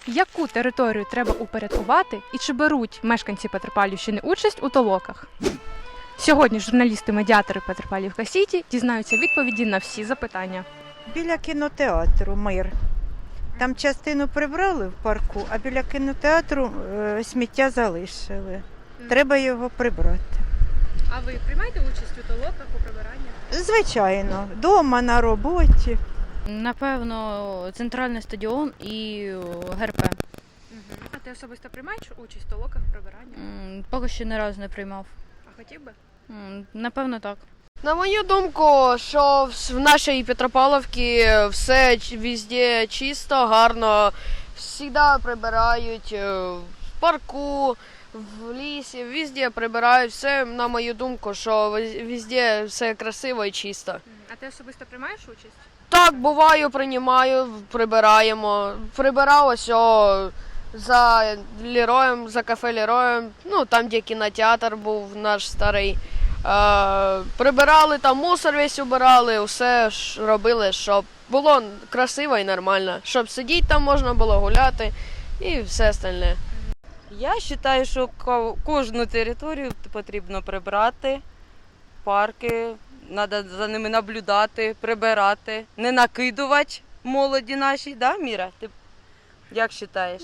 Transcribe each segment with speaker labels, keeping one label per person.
Speaker 1: Яку територію треба упорядкувати і чи беруть мешканці Петропавлівщини участь у толоках? Сьогодні журналісти-медіатори Петропавлівка Сіті дізнаються відповіді на всі запитання.
Speaker 2: Біля кінотеатру «Мир». Там частину прибрали в парку, а біля кінотеатру сміття залишили. Треба його прибрати.
Speaker 1: А ви приймаєте участь у толоках, у прибиранні?
Speaker 2: Звичайно, вдома, на роботі.
Speaker 3: Напевно, центральний стадіон і ГРП.
Speaker 1: А ти особисто приймаєш участь у толоках, прибиранні?
Speaker 3: Поки що ні разу не приймав.
Speaker 1: А хотів би?
Speaker 3: Напевно, так.
Speaker 4: На мою думку, що в нашій Петропавлівці все везде чисто, гарно, завжди прибирають в парку, в лісі, везде прибирають. Все, на мою думку, що везде все красиво і чисто.
Speaker 1: А ти особисто приймаєш участь?
Speaker 4: Так, буваю, приймаю, прибираємо. Прибирав ось за Лероєм, за кафе Лероєм, ну там, де кінотеатр був наш старий. Прибирали там мусор весь убирали, все робили, щоб було красиво і нормально. Щоб сидіти там можна було гуляти і все остальне.
Speaker 5: Я вважаю, що кожну територію потрібно прибрати, парки, треба за ними наблюдати, прибирати, не накидувати молоді нашій, да, Міра? Ти як вважаєш?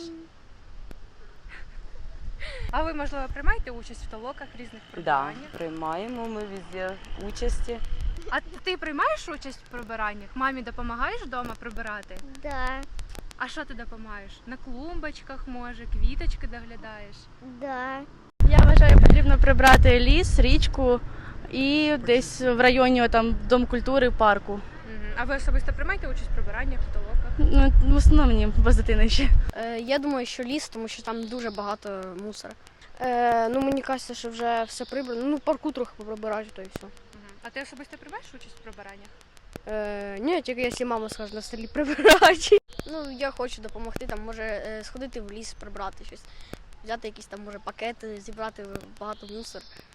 Speaker 1: А ви, можливо, приймаєте участь в толоках, різних
Speaker 5: Так,
Speaker 1: прибираннях?
Speaker 5: приймаємо ми везде участі.
Speaker 1: А ти приймаєш участь в прибираннях? Мамі допомагаєш вдома прибирати?
Speaker 6: Да,
Speaker 1: А що ти допомагаєш? На клумбочках, може, квіточки доглядаєш?
Speaker 6: да.
Speaker 7: Я вважаю, потрібно прибрати ліс, річку і десь в районі там Дом культури, парку.
Speaker 1: А ви особисто приймаєте участь в прибираннях, в толоках?
Speaker 7: Ну, в основному без дитини ще.
Speaker 8: Я думаю, що ліс, тому що там дуже багато мусора. Ну, мені кажеться, що вже все прибрано. Ну, парку трохи поприбирати, то і все.
Speaker 1: А ти особисто приймаєш участь в прибираннях?
Speaker 8: Ні, тільки якщо мама скаже на селі прибирати. Ну, я хочу допомогти, там, може, сходити в ліс, прибрати щось. Взяти якісь там, може, пакети, зібрати багато мусор.